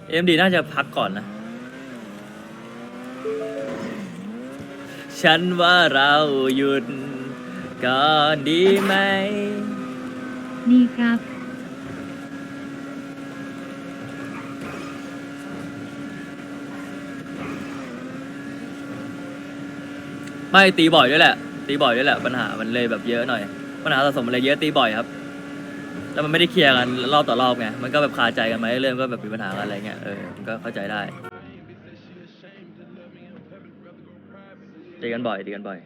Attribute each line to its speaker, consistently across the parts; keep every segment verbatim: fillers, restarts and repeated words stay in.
Speaker 1: เอ็มดีน่าจะพักก่อนนะฉันว่าเราหยุดก่อนดีไหม
Speaker 2: ดีครับ
Speaker 1: ไม่ตีบ่อยด้วยแหละตีบ่อยด้วยแหละปัญหามันเลยแบบเยอะหน่อยปัญหาสะสมมันเลยเยอะตีบ่อยครับแล้วมันไม่ได้เคลียร์กันรอบต่อรอบไงมันก็แบบคาใจกันมาเรื่อยๆก็แบบมีปัญหากันอะไรเงี้ยเออมันก็เข้าใจได้ตีกันบ่อยตีกันบ่อย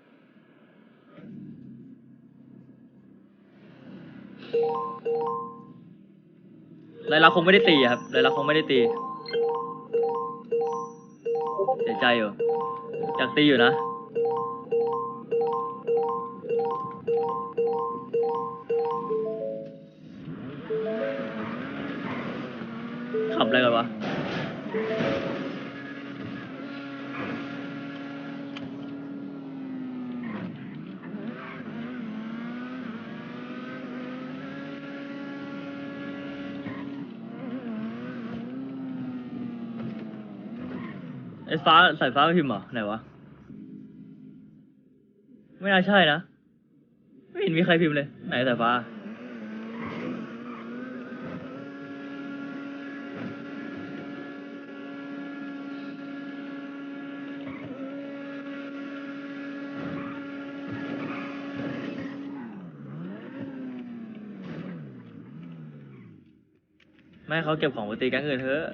Speaker 1: รายลักษณ์คงไม่ได้ตีครับรายลักษณ์คงไม่ได้ตีเสียใจอยู่อยากตีอยู่นะขำอะไรกันวะไอ้ฟ้าสายฟ้าไม่พิมพ์เหรอไหนวะไม่น่าใช่นะไม่เห็นมีใครพิมพ์เลยไหนสายฟ้าไม่ให้เขาเก็บของไปตีแก๊งอื่นเถอะ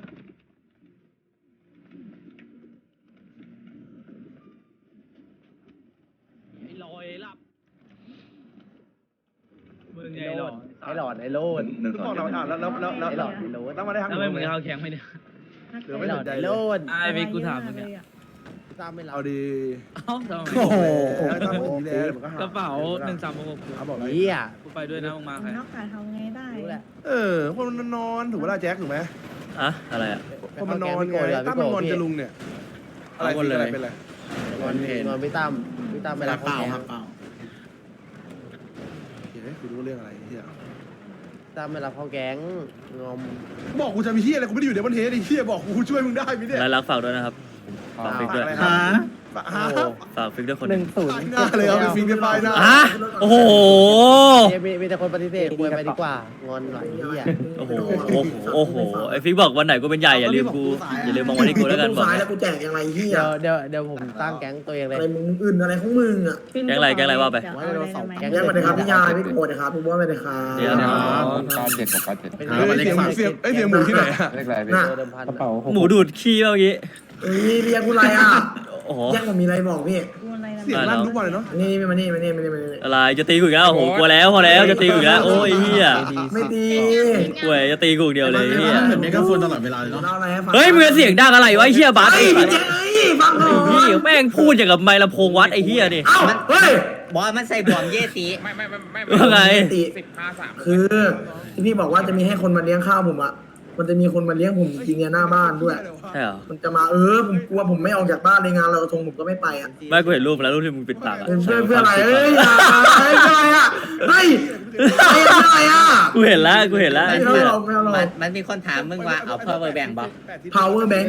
Speaker 1: ลอยลับมึงไงหลอดไอ้หลอดไอ้โลด
Speaker 3: นึกบอกเราอ่ะแล้วแล้วแล้วแล้ว
Speaker 1: ไอ้หลอดไอ้โลด
Speaker 3: แล้วมาได้ทำ
Speaker 1: แล้วมึงเข้าแก๊งไหมเนี่ย
Speaker 3: หรือไม่สนใจ
Speaker 1: ไอ้
Speaker 3: เล
Speaker 1: โล
Speaker 3: ย
Speaker 1: ดไอ้เวกูถามมึงเนี่ย
Speaker 4: ตามไม่รับ
Speaker 3: เอาดี
Speaker 1: เอ้าทำไม
Speaker 3: โอ้โหตั้งแต่ทีแล้วมันก็หาก
Speaker 1: ระเป๋าหนึ่งสามหก
Speaker 3: เอาบอกเลย
Speaker 4: เฮีย
Speaker 1: กูไปด้วยนะมึงมาใคร
Speaker 5: นอกจากทำไงได้
Speaker 4: รู้แหละ
Speaker 3: เออคนมันนอนถูกเวลาแจ็คถูกไหม
Speaker 1: อะอะไรอ่ะ
Speaker 3: คนมันนอนไงตั้มมันนอนจะลุงเนี่ยอะไรเป็นอะไรเป็นอะไร
Speaker 4: นอนนอนพี่ตั้มพี่ตั้มไม่รับเปล่าครับเปล่า
Speaker 3: เฮ้ยกูรู้เรื่องอะไรเฮีย
Speaker 4: ตั้มไม่รับเข้าแก๊งงอม
Speaker 3: บอกกูจะมีเฮียอะไรกูไม่ได้อยู่ในบันเทสไอ้เฮียบอกกูช่วยมึงได้ไหมเนี่ย
Speaker 1: รายลักษณ์ฝากด้วยนะครับฝากฟิกด้วย
Speaker 3: ฮะฮะ
Speaker 1: ฝากฟิกด้วยคน
Speaker 4: หนึ่งศูนย์
Speaker 3: หน้าเลยเอาไปฟิงกันไปหน้า
Speaker 1: อ่ะโอ้โห
Speaker 4: มีมีแต่คนปฏิเสธคุยไปดีกว่างอนหน่อยเฮีย
Speaker 1: โอ้โหโอ้โหโอ้โหไอฟิกบอกวันไหนกูเป็นใหญ่อย่าลืมกูอย่าลืมมองวันที่กูแล้วกันบอก
Speaker 6: สายแล้วกูแจกยังไงเฮีย
Speaker 4: เดี๋ยวเดี๋ยวเดี๋ยวผมตั้งแก๊งตัวเองเลย
Speaker 6: อะไรมึงอื่นอะไรของมึงอ่ะ
Speaker 1: แก๊งอะไรแก๊งอะไรว่าไป
Speaker 6: แกมาเลยครับพี่ยาพี่โกรธนะครับพี่บัวไม่ได้ครับ
Speaker 1: เดี๋ยว
Speaker 7: เก้าเจ็ดกับเก้าเจ็ด
Speaker 4: เป็น
Speaker 3: เฮ้ยเสียงเสียงเอ้ยเสียงหมูที่ไหนอะ
Speaker 7: เลขอะไรพี่
Speaker 4: เดิมพัน
Speaker 7: กระเป๋า
Speaker 1: หมูดูดขี้เมื่อกี้
Speaker 6: เอ้ยเรียกกูอะไรอ่ะ
Speaker 1: โอ้โห
Speaker 6: แยกผมมีอะไรบอกพี่
Speaker 3: เสียงลั่นทุกวันเลยเนาะ
Speaker 6: นี่มานี่มานี่มานี่มานี่
Speaker 1: อะไรจะตีกูอีกแล้วโอ้โหกลัวแล้วพอแล้วจะตีกูอีกแล้วโอ้ยเฮีย
Speaker 6: ไม่ตี
Speaker 1: กลัวจะตีกูอีกเดียวเลยเฮีย
Speaker 6: เหมือนเมกะโฟนตลอดเวลาเลยเนาะเล่าอะไรให้ฟัง
Speaker 1: เฮ้ยมึงเสียงดังอะไรวะไอ้เฮียบัส
Speaker 6: เฮ้
Speaker 1: ไอ้
Speaker 6: ยพี่เจ๊เอ้ยฟังหน่อย
Speaker 1: พี่แม่งพูดอย่างกับไมค์ลำโพงวัดไอ้เฮียนี่
Speaker 6: เอ้าเฮ้ย
Speaker 8: บอสมันใส่บวมเยสี
Speaker 7: ไม่ไม่ไม่ไม่
Speaker 1: ว่าไง
Speaker 6: ตีคือที่พี่บอกว่าจะมีให้คนมาเลี้ยงข้าวผมอ่ะมันจะมีคนมาเลี้ยงผมจริงๆเนี่ยหน้าบ้านด้วย
Speaker 1: ใช่เหรอ
Speaker 6: มันจะมาเออผมกลัวผมไม่ออกจากบ้านในงานลอยกระทงผมก็ไม่ไปอ่ะ
Speaker 1: ไม่กูเห็นรูปแล้วรูปที่มึงปิดปากอะ
Speaker 6: เพื่อเพื่ออะไรเอ้ยอย่าเฮ้ยเพื่ออะไรอ่ะเฮ้ยเพื่ออะไรอ่ะ
Speaker 1: กูเห็นแล้วกูเห็นแล้วไอ้
Speaker 6: ไม่
Speaker 1: เฮีย
Speaker 6: เอาหรอกไม่เอาหรอ
Speaker 8: มัน
Speaker 6: ก
Speaker 8: มันมีคนถามมึงว่าเอาเพิ่มเบอร์แบ่งบอก
Speaker 6: power bank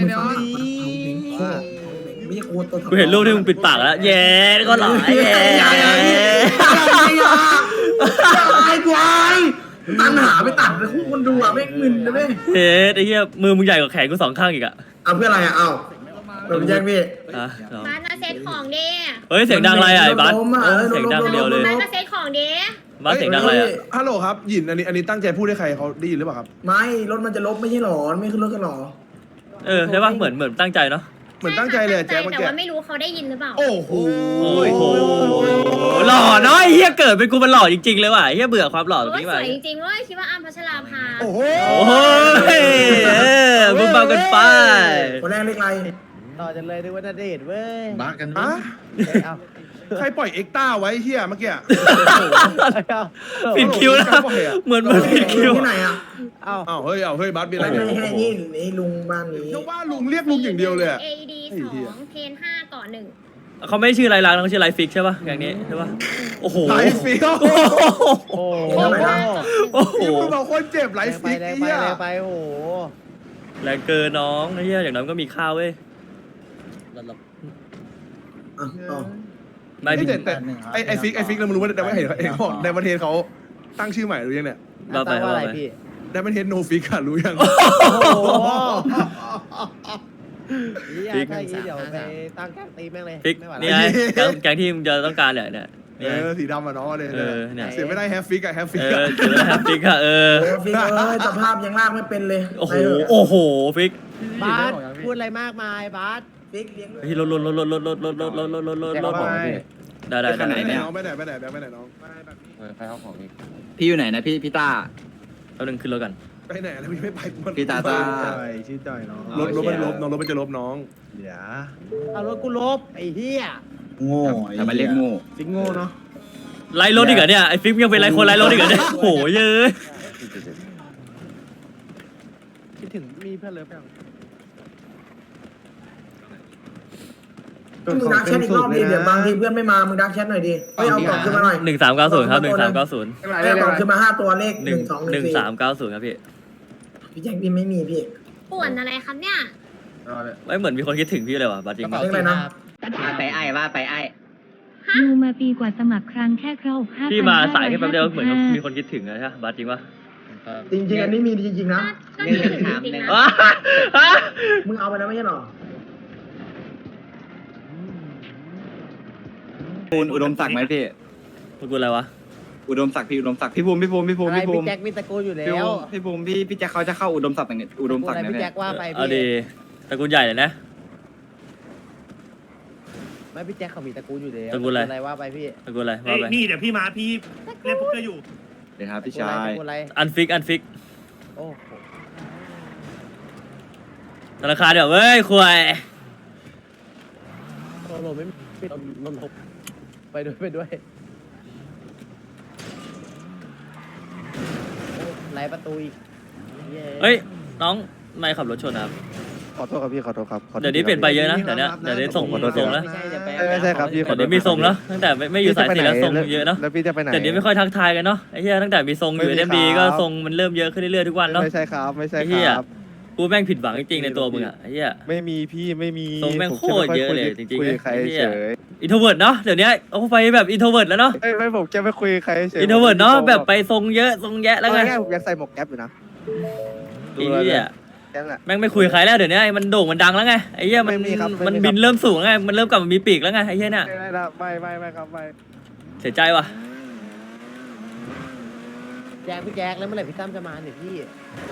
Speaker 6: มีโคตรตัว
Speaker 1: กูเห็นรูปที่มึงปิดปากแล้วแย่ก็หล่อแย่
Speaker 6: อย่าอย่าอย่าอย่าไอ้ควายตั้งหาไปตัดไปคู่คนดูอ่ะไม่มึนนะเว้ย
Speaker 1: เฮ้ยไอ้เหี้ยมือมึงใหญ่กว่าแขนกูสองข้างอีกอะ
Speaker 6: เอาเพื่ออะไรอ่ะเอ้าเราแย่งพี่
Speaker 1: อ่ะ
Speaker 2: บ้านมาเซ็ตของเด้
Speaker 1: เฮ้ยเสียงดังอะไรอ่ะไอ้บัสเออเสียงดังเดียวเลย
Speaker 2: บ้านมาเซ็ตของเด้
Speaker 1: บัสเสียงดังอะไรอ่ะ
Speaker 3: ฮัลโหลครับหยินอันนี้อันนี้ตั้งใจพูดให้ใครเขาได้ยินหรือเปล่าครับ
Speaker 6: ไม่รถมันจะลบไม่ใช่หรอไม่ขึ้นรถกันหรอ
Speaker 1: เออใช่ป่ะเหมือนเหมือนตั้งใจเนาะ
Speaker 3: เหมือนตั้งใจเลยแจ็คเมื่อ
Speaker 2: แต่
Speaker 3: กี้
Speaker 2: ว่าไม่รู้เขาได้ยินหรือเปล่า
Speaker 3: โอ้โห
Speaker 1: โอ้โหหล่อเนาะไอ้เหี้ยเกิดเป็นกูมันหล่อจริงๆเลยว่ะไอ้เหี้ยเบื่อความหล่อตรง
Speaker 2: โอ้ย
Speaker 1: นี้
Speaker 2: ส
Speaker 1: ว่ะ
Speaker 2: วยจริงๆเว้ยคิดว่าอ้ำพัชราภา
Speaker 3: โอ้โห
Speaker 1: โอ้ยเออมึงเบากันไป
Speaker 6: คนแรกเล็กไร
Speaker 4: ต่อจากเลยนึกว่าณเดชน์เว้ย
Speaker 7: บ้ากัน
Speaker 3: อะ
Speaker 4: เอา
Speaker 3: ใครปล่อยเอ็กต้าไว้เฮียเมื่อกี้
Speaker 1: ปิดคิวนะเหมือนเหมือนปิดคิว
Speaker 6: ที่ไหนอ่ะ
Speaker 4: เอา
Speaker 3: อ้าวเฮ้ยเอาเฮ้ยบัสมีอะไร
Speaker 6: ไม่
Speaker 3: เนี่ย
Speaker 6: ให้นี่นี่ลุงบ้านนี้
Speaker 3: เดี๋ยวว่าลุงเรียกลุงอย่างเดียวเลยอะ
Speaker 2: เอดีสองเพนห้าต่อหนึ่ง
Speaker 1: เขาไม่ชื่อไรลักษณ์เขาชื่อไรฟิกใช่ป่ะอย่างนี้ใช่ป่ะโอ้โห
Speaker 3: ไลฟ์ฟิก
Speaker 1: โอ้โห
Speaker 4: โอ้โห
Speaker 1: โอ้โห
Speaker 3: นี่มึงบอกคนเจ็บไลฟ์
Speaker 4: ไป
Speaker 3: ฟิก
Speaker 4: แร
Speaker 3: ไอ้
Speaker 4: งไป
Speaker 3: เหี้ย
Speaker 4: แรงไปโอ้โห
Speaker 1: แรงเกินน้องไอ้เหี้ยอย่างน้อยมันก็มีข้าวเว้ย
Speaker 6: อ่ะอ๋อ
Speaker 1: ไม่
Speaker 3: เอ้ย
Speaker 1: พี่
Speaker 3: แต่แต่ไอไอฟิกไอฟิกเราไม่รู้ว่าแต่ว่าเห็นเห็นเขาบอกในประเทศเขาตั้งชื่อใหม่หรือยังเนี่ย
Speaker 1: ว่าไป
Speaker 4: ตั้งว่า
Speaker 1: ว่า
Speaker 4: อะไร
Speaker 1: ไป
Speaker 4: พี่
Speaker 3: ในประเทศโนฟิกอะรู้ยัง
Speaker 4: โอ้โหนี่ถ้าอย่างนี้เดี๋ยวไปตั้งแก๊งตีแม่งเลย
Speaker 1: ฟิก
Speaker 4: ไม่ไหว
Speaker 1: นี่
Speaker 4: แล้ว
Speaker 1: ไงแกงแกงที่มึงจะต้องการเนี่ยเนี่ย
Speaker 3: เอ
Speaker 1: เนี่ย
Speaker 3: อสีดำอะเนาะเลย
Speaker 1: เออเนี่ย
Speaker 3: เสียไม่ได้แฮฟฟิกอะแฮฟฟิก
Speaker 1: เอ
Speaker 3: อะ
Speaker 1: อเจอแฮปปี้ค่ะเออ
Speaker 6: โอ้ฟิกเอ้ยสภาพยังลากไม่เป็นเลย
Speaker 1: โอ้โห
Speaker 6: ไปเถะ
Speaker 1: โอ้โหฟิก
Speaker 4: บาสพูดอะไรมากมายบาส
Speaker 6: ฟิกเลี้ยง
Speaker 1: เฮ้ยรถรถรถรถรถรถรถรถรถรถรถรถรถได้ได้ได้
Speaker 3: ไปไหน
Speaker 1: ได้
Speaker 3: น้องไปไหนไปไหนไปไหนน้อง
Speaker 7: เออใครเอาของอีก
Speaker 5: พี่อยู่ไหนนะพี่พี่ต้า
Speaker 1: เอาหนึ่งขึ้นรถกัน
Speaker 3: ไปไหนแล้วพี่ไม่ไปมัน
Speaker 5: พี่ตาตา
Speaker 3: ชื่อจอยน้องรถรถมันลบน้องรถมันจะลบน้องเดี๋ยว
Speaker 4: เอารถกูลบไอ้เหี้ย
Speaker 5: โง่ทำไมเรียกโง่
Speaker 3: ฟิกโง่เนาะ
Speaker 1: ไล่รถอีกเหรอเนี่ยไอ้ฟิกยังเป็นไล่คนไล่รถอีกเหรอเนี่ยโหเยอะ
Speaker 4: คิดถึงมีเพื่อนเลิฟยัง
Speaker 6: มึงดักแชทอีกรอบดิเดี๋ยวบางทีเพื่อนไม่มามึงดักแชทหน่อยดิเฮ้ยเอากล่องขึ้นมาหน่อย
Speaker 1: หนึ่งสามเก้าศูนย์ครับหนึ่งสามเก้าศูนย์
Speaker 6: ให้เอากล่องขึ้นมาห้าตัวเลข
Speaker 1: ห
Speaker 6: ห
Speaker 1: นึ่
Speaker 6: นึ่
Speaker 1: ง
Speaker 6: งสองห
Speaker 1: ห
Speaker 6: นึ่
Speaker 1: นึ่
Speaker 6: ง
Speaker 1: ง
Speaker 6: สี่
Speaker 1: สามเก้าศูนย์ครับพี่
Speaker 6: พี่แจ็คพี่ไม่มีพี่
Speaker 2: ป่วนอะไรครับเนี่ย
Speaker 1: ไม่เหมือนมีคนคิดถึงพี่เลยว่ะบัตรจริง
Speaker 6: เลขอะไรนะ
Speaker 8: ว่าไปไอ้ว่าไปไอ้
Speaker 9: ดูมาปีกว่าสมัครครั้งแค่ครบห้า
Speaker 1: พี่มาสายแค่แป๊บเดียวเหมือนกับมีคนคิดถึงนะใช่บัตรจริงปะ
Speaker 6: จริงๆอันนี้มีจริงๆนะ
Speaker 2: ก็มีจริงๆนะ
Speaker 1: ว้า
Speaker 6: มึงเอาไปแล้วไม่ใช่หรอ
Speaker 5: ปูนอุดมศักดิ์ไหมพี่
Speaker 1: มึงกูอะไรวะ
Speaker 5: อุดมศักดิ์พี่อุดมศักดิ์พี่ภูมิพี่ภูมิพี่ภูมิ
Speaker 4: อะไร
Speaker 5: พี่ภู
Speaker 4: พี่
Speaker 5: มิ
Speaker 4: แจ็คมีตระกูลอยู่แล้
Speaker 5: พี่ภู
Speaker 4: ว
Speaker 5: มิพี่ภูมิพี่พี่แจ็คเขาจะเข้าอุดมศักดิ์เนี่ยอุดมศักดิ์
Speaker 4: อะไร
Speaker 5: เนี่ย
Speaker 4: พี่แจ็คว่าไป
Speaker 1: เอา
Speaker 4: พี่
Speaker 1: ดีตระกูลใหญ่เลยนะ
Speaker 4: ไม่พี่แจ็คเขามีตระกูลอยู่แล้ว
Speaker 1: ตระกูลอะไร
Speaker 4: อะไรว่าไปพี่
Speaker 1: ตระกูลอะไร
Speaker 10: เอ้
Speaker 1: ว่าย ไป
Speaker 10: นี่เดี๋ยวพี่มาพี่เล่นโป๊กเกอร์อยู่
Speaker 5: เดี๋ยวครับพี่
Speaker 4: ตระ
Speaker 5: ชาย
Speaker 4: กูลอะไร
Speaker 1: อันฟิกอันฟิก
Speaker 4: โอ้โห
Speaker 1: ธนาคารเดี๋ยวเว้ยคุย
Speaker 4: โลโลไม่ปิดรถลบไปด้วยไปด้วยโอ้ไล่ประตูอีก
Speaker 1: เฮ้ยน้องไม่ขับรถชนนะครับ
Speaker 3: ขอโทษครับพี่ขอโทษครับ
Speaker 1: เดี๋ยวนี้เปลี่ยนไปเยอะนะเดี๋ยวนี้เดี๋ยวนี้ส่งส่งแล้ว
Speaker 4: ไม่ใช่จะไป
Speaker 3: ไม่ใช่ครับพี่
Speaker 1: เดี๋ยวนี้มีทรงแล้วตั้งแต่ไม่ไม่อยู่สายสีแล้วทรงเยอะเนาะ
Speaker 3: แล้วพี่จะไปไหน
Speaker 1: แต่เดี๋ยวนี้ไม่ค่อยทักทายกันเนาะไอ้เหี้ยตั้งแต่มีทรงอยู่
Speaker 3: ไม่
Speaker 1: เอ็ม
Speaker 3: มี
Speaker 1: ดี
Speaker 3: ครับ
Speaker 1: ก็ทรงมันเริ่มเยอะขึ้นเรื่อยๆทุกวันเนาะ
Speaker 3: ไม่ใช่ครับไม่ใช่
Speaker 1: ไอ้
Speaker 3: ค
Speaker 1: เหี้ย
Speaker 3: รับ
Speaker 1: กูแม่งผิดหวังจริงๆในตัวมึงอะไอ้เหี้ย
Speaker 3: ไม่มีพี่ไม่มี
Speaker 1: ทรงแม่ง
Speaker 3: ผ
Speaker 1: โคตรเยอะเลยจริงๆ
Speaker 3: คุยกับใคร
Speaker 1: ไอ้เหี้ย
Speaker 3: เฉย
Speaker 1: อินโทรเวิร์ดเนาะเดี๋ยวนี้เอาไปแบบอินโทรเวิร์ดแล้วเนาะ
Speaker 3: เอ้ยไม่ผมแค่ไม่คุยกับใครเฉย
Speaker 1: อินโทรเวิร์ดเนาะแบบไปทรงเยอะทรงแยะแล้วไง
Speaker 3: เอาง่ายๆผมยังใส่หมวกแก๊ปอยู่นะ
Speaker 1: ไอ้เหี้ย
Speaker 3: แค่นั้นแหละ
Speaker 1: แม่งไม่คุยกับใครแล้วเดี๋ยวนี้มันโด่งมันดังแล้วไงไอ้เหี้ยมัน
Speaker 3: ไม่มีครับไม่มีครับ
Speaker 1: มันบินเริ่มสูงแล้วไงมันเริ่มกลับมามีปีกแล้วไงไอ้เหี้ยเนี่ย
Speaker 3: ไม่ได้ละไม่ไม่ไม่ครับไม่
Speaker 1: เสียใจว่ะ
Speaker 4: แจ็คพี่แจ็คแล้วเมื่อไหร่พี่ตั้มจะมาเนี่ยพี่